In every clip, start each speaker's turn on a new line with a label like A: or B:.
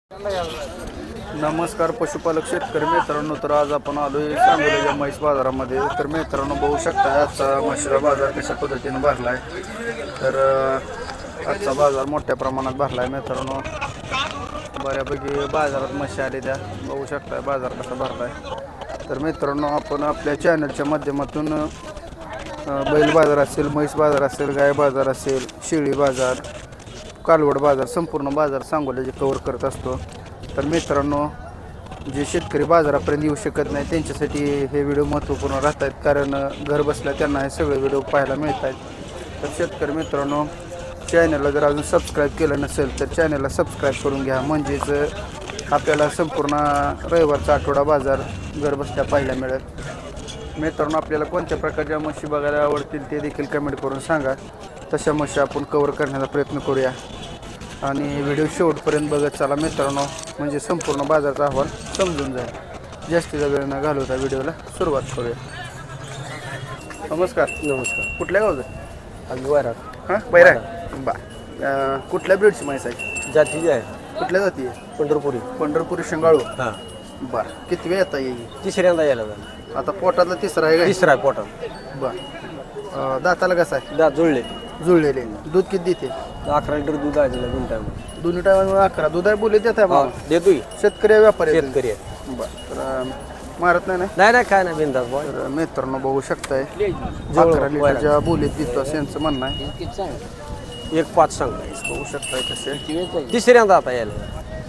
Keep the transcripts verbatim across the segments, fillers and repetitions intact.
A: नमस्कार पशुपालक शेतकरी मित्रांनो, तर आज आपण आलोय सांगोल्याच्या म्हैस बाजारामध्ये. तर मित्रांनो बघू शकता आजचा म्हशीचा बाजार कशा पद्धतीने भरला आहे. तर अ, आजचा बाजार मोठ्या प्रमाणात भरला आहे मित्रांनो. बऱ्यापैकी बाजारात म्हशी आली त्या बघू शकता बाजार कसा भरला आहे. तर मित्रांनो आपण आपल्या चॅनलच्या माध्यमातून अ, बैल बाजार असेल, म्हैस बाजार असेल, गाय बाजार असेल, शेळी बाजार, कालवड बाजार, संपूर्ण बाजार सांगोल्याचे कव्हर करत असतो. तर मित्रांनो जे शेतकरी बाजारापर्यंत येऊ शकत नाही त्यांच्यासाठी हे व्हिडिओ महत्त्वपूर्ण राहत आहेत, कारण घर बसल्या त्यांना हे सगळे व्हिडिओ पाहायला मिळत आहेत. तर शेतकरी मित्रांनो चॅनलला जर अजून सबस्क्राईब केलं नसेल तर चॅनलला सबस्क्राईब करून घ्या, म्हणजेच आपल्याला संपूर्ण रविवारचा आठवडा बाजार घर बसल्या पाहायला मिळेल. मित्रांनो आपल्याला कोणत्या प्रकारच्या म्हशी बघायला आवडतील ते देखील कमेंट करून सांगा. तशा म्हशी आपण कव्हर करण्याचा प्रयत्न करूया आणि व्हिडिओ शेवटपर्यंत बघत चला मित्रांनो, म्हणजे संपूर्ण बाजाराचा अहवाल समजून जाईल. जास्तीचा वेळ न घालवता व्हिडिओला सुरुवात करूया. नमस्कार.
B: नमस्कार.
A: कुठल्या गावचं?
B: आम्ही वैराग.
A: हां बैराग. बा अं, कुठल्या ब्रीडची म्हैस आहे?
B: जातीची आहे.
A: कुठल्या जाती आहे?
B: पंढरपुरी.
A: पंढरपुरी शेंगाळू.
B: हां.
A: बरं किती वेळ येता येईल?
B: तिसऱ्यांदा यायला झालं.
A: आता पोटातला तिसरा आहे का?
B: तिसरा आहे पोटात.
A: बरं अं, दाताला कसं आहे?
B: दात जुळले.
A: जुळलेले. दूध किती देते?
B: अकरा लिटर दूध आहे तिला दोन टाइम.
A: दोन्ही टायमा अकरा दूध आहे बोलले देत आहे.
B: देतोय.
A: शेतकरी आहे, व्यापारी आहे?
B: शेतकरी आहे.
A: बरं तर अं, मारत नाही ना?
B: नाही नाही काय नाही बिंदास बॉय.
A: तर मित्रांनो बघू शकताय अकरा लिटरच्या बोलीत देतो असं यांचं म्हणणं आहे.
B: एक पाच सांग.
A: बघू शकताय कसे
B: तिसऱ्यांदा आता यायला.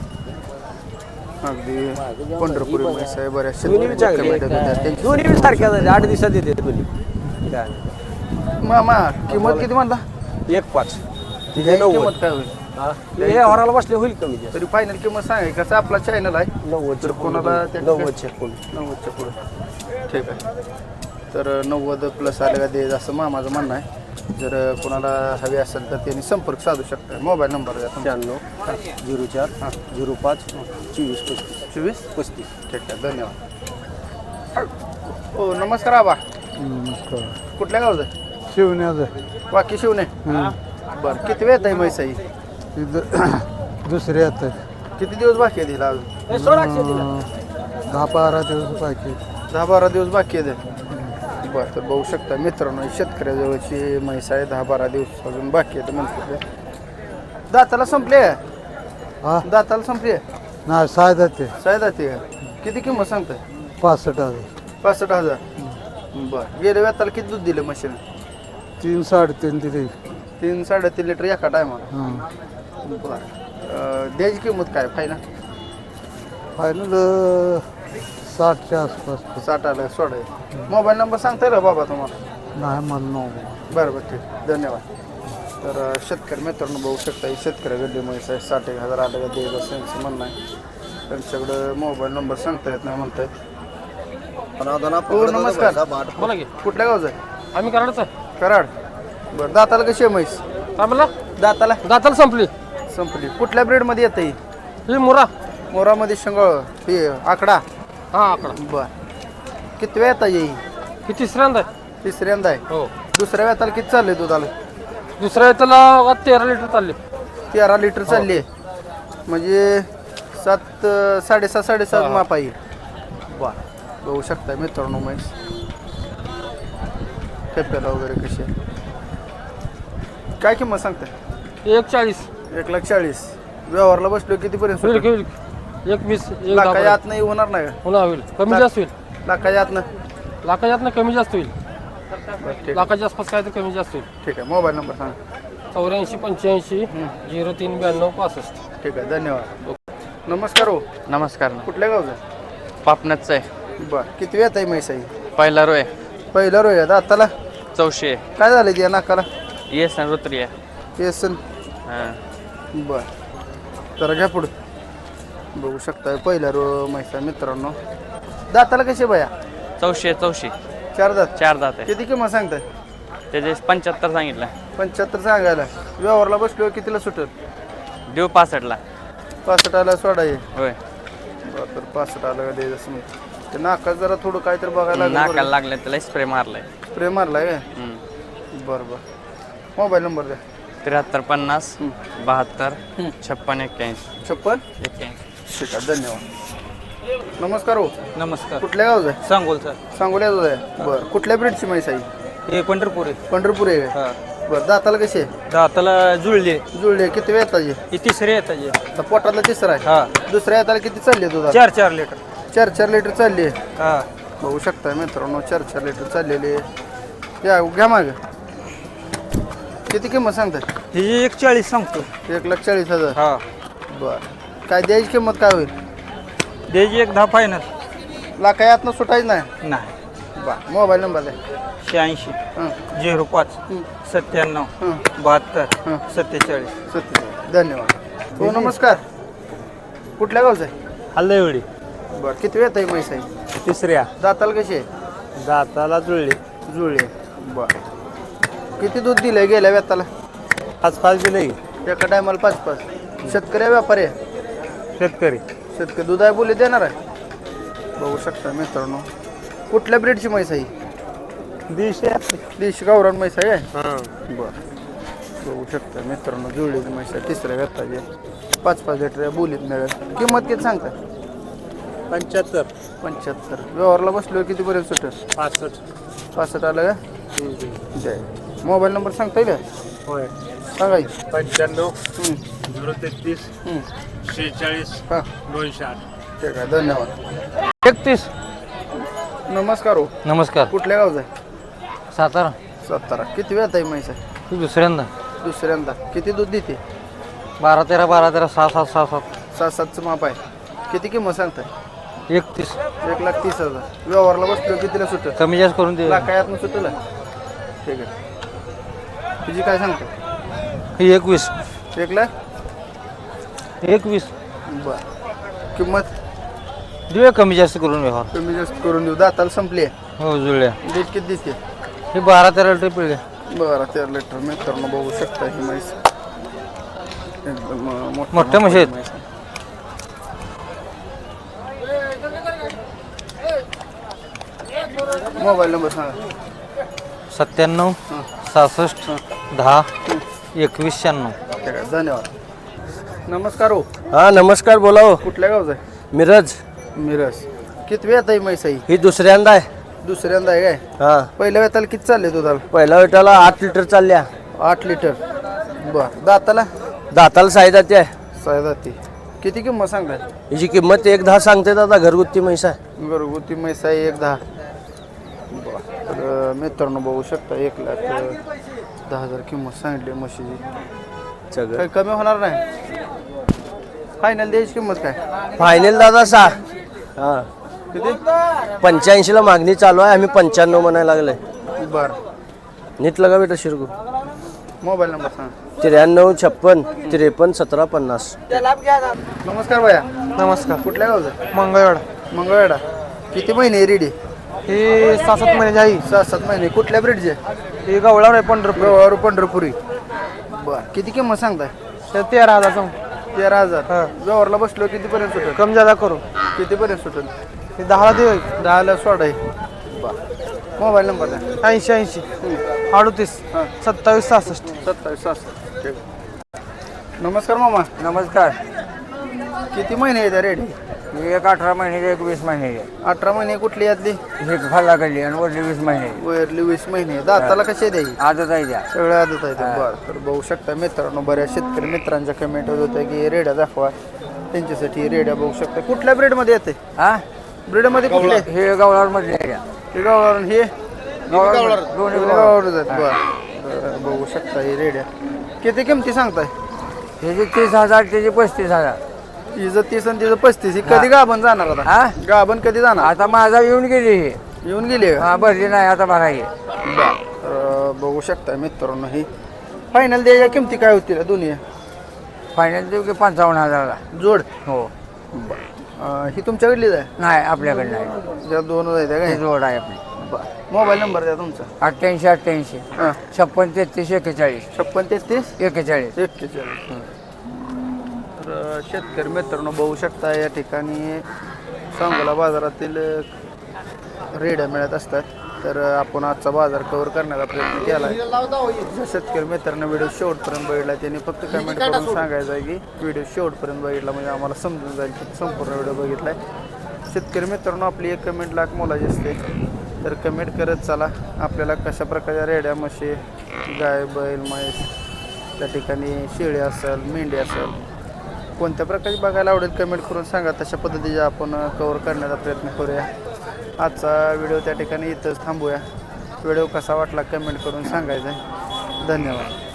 A: अगदी पंढरपुरी म्हैस आहे. बऱ्याच
B: दोन्ही बी चांगली आहे.
A: शेतकरी
B: दोन्ही बी सारख्या झाले. आठ दिवसात येते दोन्ही. काय
A: मामा किंमत किती म्हणला?
B: एक पाच.
A: तिची किंमत काय होईल?
B: हे हॉराला बसले होईल कमी जास्त.
A: तरी फायनल किंमत सांगाय कसं आपला चॅनल आहे
B: नव्वद
A: तर कोणाला त्या-
B: नव्वदच्या कोण
A: नव्वदच्या पुढे ठीक आहे. तर नव्वद प्लस आले का दे असं मामाचं म्हणणं आहे. जर कोणाला हवे असेल तर त्यांनी संपर्क साधू शकता. मोबाईल नंबर द्या तुमचा.
B: शहाण्णव झिरो चार हां झिरो पाच चोवीस पस्तीस
A: चोवीस
B: पस्तीस.
A: ठीक आहे धन्यवाद. हो नमस्कार आबा. कुठल्या गावचं?
C: शिवण्याचं
A: बाकी शिवणे. बरं किती वेळ आहे म्हैस आहे?
C: दुसरे आता
A: किती दिवस बाकी आहे तिला अजून?
C: दहा बारा दिवस बाकी.
A: दहा बारा दिवस बाकी आहे. बरं तर बघू शकता मित्रांनो शेतकऱ्याजवळची म्हैस आहे. दहा बारा दिवस अजून बाकी आहे म्हणतो. दाताला संपले आहे?
C: हा
A: दाताला संपली आहे?
C: नाही साय जाते
A: साय दाती आहे. किती किंमत सांगताय?
C: पासष्ट हजार.
A: पासष्ट हजार. बरं गेल्या वेळाला किती दूध दिलं म्हशीने?
C: तीन साडेतीन दिली.
A: तीन साडेतीन लिटर एका टायमाला.
C: हां
A: बरं अं, द्यायची किंमत काय फायनल?
C: फायनल साठच्या आसपास.
A: साठ आलं सोडाय. मोबाईल नंबर सांगता येईल बाबा तुम्हाला?
C: नाही मला नऊ.
A: बरं बरं ठीक धन्यवाद. तर अं, शेतकरी मित्रांनो बघू शकता ही शेतकरी गड्डी म्हैस आहे. साठ एक हजार आलं का द्यायचं असं यांचं म्हणणं आहे. त्यांच्याकडं मोबाईल नंबर सांगता येत नाही म्हणतायत. हो नमस्कार.
B: बोला की.
A: कुठल्या गावचं आहे?
B: आम्ही कराडचं.
A: कराड. बरं दाताला कशी आहे म्हैस?
B: काय म्हणला?
A: दाताला
B: दाताला संपली.
A: संपली. कुठल्या ब्रेडमध्ये येतं ही?
B: ही मुरा.
A: मोरामध्ये शेंगळ ही आकडा.
B: हा आकडा.
A: बर किती वेळ येता येईल?
B: ही तिसऱ्यांदा आहे.
A: तिसऱ्यांदा आहे.
B: हो.
A: दुसऱ्या वेताला किती चालले दुधाला?
B: दुसऱ्या त्याला तेरा लिटर चालले.
A: तेरा लिटर चालली आहे. म्हणजे सात साडेसात साडेसात माप आहे. बर बघू शकता मित्रांनो म्हैस खेप्याला वगैरे कशी आहे. काय किंमत सांगताय?
B: एक चाळीस.
A: एक लाख चाळीस. व्यवहारला बसलो कितीपर्यंत
B: होईल
A: सुटेल?
B: होईल. एक वीस एक
A: लाखाच्या
B: दहा
A: आत नाही होणार नाही का?
B: होणार होईल. कमी जास्त होईल.
A: लाखाच्या आत ना?
B: लाखाच्या आत कमी जास्त होईल.
A: बरं ठीक
B: लाखाच्या आसपास काय तर कमी जास्त होईल.
A: ठीक आहे. मोबाईल नंबर सांगा.
B: चौऱ्याऐंशी पंच्याऐंशी झिरो तीन ब्याण्णव पासष्ट.
A: ठीक आहे धन्यवाद. नमस्कार हो.
D: नमस्कार ना.
A: कुठल्या गावचं?
D: पापनाचं आहे.
A: बर किती वेळ आहे म्हैस आहे?
D: पहिला रोय
A: पहिला रोय दाताला
D: चौशे
A: काय झालं त्या नाकाला?
D: येस ना रुत्री आहे.
A: येसन.
D: हां
A: बर जरा घ्या पुढं. बघू शकताय पहिला रो म्हैसा मित्रांनो. दाताला कसे बया?
D: चौशे चौशे
A: चार दात.
D: चार दात आहे.
A: किती किंमत सांगताय?
D: त्याचे पंच्याहत्तर सांगितलं.
A: पंच्याहत्तर सांगायला. व्यवहारला बसलो कितीला सुटेल?
D: देऊ पासष्टला.
A: पासष्ट आला सोडा ये.
D: होय.
A: बरं तर पासष्ट आला का द्यायचं असं नाही. ते नाकात जरा थोडं काहीतरी बघायला
D: नाकाला लागलं त्याला स्प्रे मारलाय.
A: स्प्रे मारलाय काय? बरं बरं. मोबाईल नंबर द्या.
D: त्र्याहत्तर पन्नास बहात्तर छप्पन एक्क्याऐंशी
A: छप्पन
D: एक्क्याऐंशी
A: ठीक आहे धन्यवाद. नमस्कार हो.
B: नमस्कार.
A: कुठल्या गावचं आहे?
B: सांगोल सर.
A: सांगोल्याचं आहे. बरं कुठल्या ब्रीडची म्हैस आहे?
B: हे पंढरपूर आहे.
A: पंढरपूर आहे का?
B: हा.
A: बरं दाताला कशी आहे?
B: दाताला जुळले.
A: जुळले किती वेळ येताची?
B: हे तिसरे येतात हे.
A: आता पोटातला तिसरा आहे.
B: हा.
A: दुसऱ्या येताला किती चालली आहे दुधा?
B: चार चार लिटर.
A: चार चार लिटर चालली आहे.
B: हा.
A: बघू शकता मित्रांनो चार चार लिटर चाललेली आहे. या घ्या माग. किती किंमत सांगतात?
B: हे एक चाळीस सांगतो.
A: एक लाख चाळीस हजार.
B: हा.
A: बरं काय द्यायची किंमत काय होईल?
B: द्यायची एक दहा फायनल.
A: लाखा यातनं सुटायचं नाही.
B: नाही.
A: बा मोबाईल नंबर द्या.
B: शहाऐंशी
A: हां
B: झिरो पाच सत्त्याण्णव
A: हां
B: बहात्तर
A: हां
B: सत्तेचाळीस.
A: सत्य धन्यवाद. हो नमस्कार. कुठल्या गावचं आहे?
B: हल्लवडी.
A: बरं किती वेळ आहे म्हैस आहे?
B: तिसऱ्या.
A: दाताला कशी आहे?
B: दाताला जुळले.
A: जुळले. बरं किती दूध दिलंय गेल्या व्यताला?
B: पाच पाच दिले.
A: एका टायमाला पाच पाच. शेतकरी आहे व्यापारी आहे?
B: शेतकरी.
A: शेतकरी दूध आहे बोली देणार आहे. बघू शकता मित्रांनो कुठल्या ब्रीडची म्हैस आहे?
B: दीडशे.
A: देशी गावरान म्हैस आहे काय?
B: हां.
A: बरं बघू शकता मित्रांनो जुळलेली म्हैस आहे तिसऱ्या व्यताची पाच पाच लिटर बोलीत मिळेल. किंमत किती सांगता?
B: पंच्याहत्तर.
A: पंच्याहत्तर. व्यवहारला बसलो कितीपर्यंत सुटेल?
B: पासष्ट.
A: पासष्ट आलं का? जय. मोबाईल नंबर सांगता येईल का?
B: होय.
A: सांगा की.
B: पंच्याण्णव
A: हं,
B: झिरो तेहतीस
A: हं.
B: शेहेचाळीस
A: हां
B: दोनशे आठ.
A: ठीक आहे धन्यवाद.
C: एकतीस.
A: नमस्कार हो.
C: नमस्कार.
A: कुठल्या गावचं आहे?
C: सातारा.
A: सातारा. किती वेळ आहे म्हैस आहे?
C: ही दुसऱ्यांदा.
A: दुसऱ्यांदा. किती दूध देते?
C: बारा तेरा बारा तेरा सहा सात सहा सात.
A: सात सातचं माप आहे. किती किंमत सांगताय?
C: एकतीस.
A: एक लाख तीस हजार. व्यवहारला बसलो कितीला सुटेल?
C: कमी जास्त करून दे.
A: लाखायातनं सुटेल. ठीक आहे. तुझी काय सांगता?
C: ही एकवीस.
A: एक लाख
C: एकवीस.
A: बरं किंमत
C: देऊया कमी जास्त करून व्यवहार.
A: कमी जास्त करून देऊ. दाताला संपली आहे.
C: हो जुळल्या.
A: डेट किती दिसते?
C: हे बारा तेरा लिटर पिळले.
A: बरं तेरा लिटर मित्रांनो बघू शकता ही म्हैस एकदम अं, मोठ्या
C: मोठ्या म्हशी आहेत.
A: म्हैस आहे. मोबाईल नंबर सांगा.
C: सत्त्याण्णव
A: हां
C: सहासष्ट दहा एकवीस शहाण्णव.
A: ठीक आहे धन्यवाद. नमस्कार हो.
B: हा नमस्कार. बोला हो.
A: कुठल्या गावचं आहे?
B: मिरज.
A: मिरज. किती वेळ आहे म्हैस आहे?
B: ही दुसऱ्यांदा आहे.
A: दुसऱ्यांदा आहे काय?
B: हा.
A: पहिल्या वेताला किती चालले दुधाला?
B: पहिल्या वेटाला आठ लिटर चालल्या.
A: आठ लिटर. बरं दाताला?
B: दाताला साई जाते आहे.
A: साय जाती. किती किंमत सांगताय?
B: हिची किंमत एक दहा सांगते दादा. घरगुती म्हैस आहे.
A: घरगुती म्हैस आहे एक दहा. बरं तर अं, मित्रांनो बघू शकता एक लाख अं, दहा हजार किंमत सांगितली म्हशीची.
B: सगळं
A: काही कमी होणार नाही. फायनल द्यायची किंमत काय?
B: फायनल दादा सहा. हा.
A: किती?
B: पंच्याऐंशीला मागणी चालू आहे. आम्ही पंच्याण्णव म्हणायला लागले.
A: बरं
B: नीट लगा बेटा शिरगू.
A: मोबाईल नंबर सांगा.
B: त्र्याण्णव छप्पन त्रेपन्न सतरा पन्नास.
A: नमस्कार भैया.
C: नमस्कार.
A: कुठल्या गावचं?
C: मंगळवार.
A: मंगळवेढा. किती महिने रेडी?
C: हे सहा सात महिन्याची आहे.
A: सहा सात महिने. कुठल्या ब्रीडचे?
C: हे गवळावर आहे पंढरपूर.
A: गवारू पंढरपुरी. बरं किती किंमत सांगताय?
C: हे तेरा हजार सांग.
A: तेरा हजार.
C: हां.
A: व्यवहारला बसलो कितीपर्यंत सुटेल?
C: कमी जादा करू.
A: कितीपर्यंत सुटेल?
C: हे दहाला दे.
A: दहाला सोडा आहे. बरं मोबाईल नंबर द्या.
C: ऐंशी ऐंशी अडतीस
A: हां
C: सत्तावीस सहासष्ट.
A: सत्तावीस सहासष्ट. ठीक आहे. नमस्कार मामा.
B: नमस्कार.
A: किती महिने आहेत रेडी?
B: एक अठरा महिने एक वीस महिने.
A: अठरा महिने कुठली यातली?
B: हे खाल्ला गेली आणि वरली वीस महिने.
A: वरली वीस महिने. दाताला कसे द्यायची?
B: आजच आहे द्या.
A: सगळं आदत आहे. बरं तर बघू शकता मित्रांनो बऱ्याच शेतकरी मित्रांच्या कमेंट होत्या की रेड्या दाखवा. त्यांच्यासाठी रेड्या बघू शकता. कुठल्या ब्रीडमध्ये येते?
B: हा.
A: ब्रीडमध्ये कुठले?
B: हे गवळावर मधले आहे द्या.
A: हे गावावरून हे
B: गवळावर दोन्ही गवळावर.
A: गावावरून जात. बरं बरं, बघू शकता ही रेड्या. किती किमती सांगताय?
B: ह्याची तीस हजार त्याची पस्तीस हजार.
A: हिचं तीस आणि तिचं पस्तीस. ही कधी गाभण जाणार आता?
B: हा.
A: गाभण कधी जाणार?
B: आता माझा येऊन गेली हे.
A: येऊन गेली का?
B: हा भरली नाही आता भरायची.
A: बरं तर बघू शकता मित्रांनो ही फायनल द्यायच्या किमती काय होतील दोन्ही
B: फायनल देऊ की पंचावन्न हजारला.
A: जोड?
B: हो.
A: अं, ही तुमच्याकडलीच आहे?
B: नाही आपल्याकडे नाही.
A: ज्या दोन आहेत
B: हे
A: काय?
B: जोड आहे आपली.
A: बरं मोबाईल नंबर द्या तुमचा.
B: अठ्ठ्याऐंशी अठ्ठ्याऐंशी
A: हां
B: छप्पन तेहतीस एक्केचाळीस
A: छप्पन तेहतीस
B: एक्केचाळीस.
A: एक्केचाळीस. तर शेतकरी मित्रांनो बघू शकता या ठिकाणी सांगोला बाजारातील रेड्या मिळत असतात. तर अ, आपण आजचा बाजार कव्हर करण्याचा प्रयत्न केला आहे. शेतकरी मित्रांनो व्हिडिओ शेवटपर्यंत बघितला त्यांनी फक्त कमेंट करून सांगायचं आहे की व्हिडिओ शेवटपर्यंत बघितला म्हणजे आम्हाला समजून जाईल की संपूर्ण व्हिडिओ बघितला आहे. शेतकरी मित्रांनो आपली एक कमेंट लाख मोलाची असते, तर कमेंट करत चला. आपल्याला कशा प्रकारच्या रेड्या म्हशी गाय बैल म्हैस त्या ठिकाणी शेळी असेल मेंढी असेल कोणत्या प्रकारची बघायला आवडेल कमेंट करून सांगा. तशा पद्धतीचे आपण कव्हर करण्याचा प्रयत्न करूया. आजचा व्हिडिओ त्या ठिकाणी इथंच थांबूया. व्हिडिओ कसा वाटला कमेंट करून सांगायचं आहे. धन्यवाद.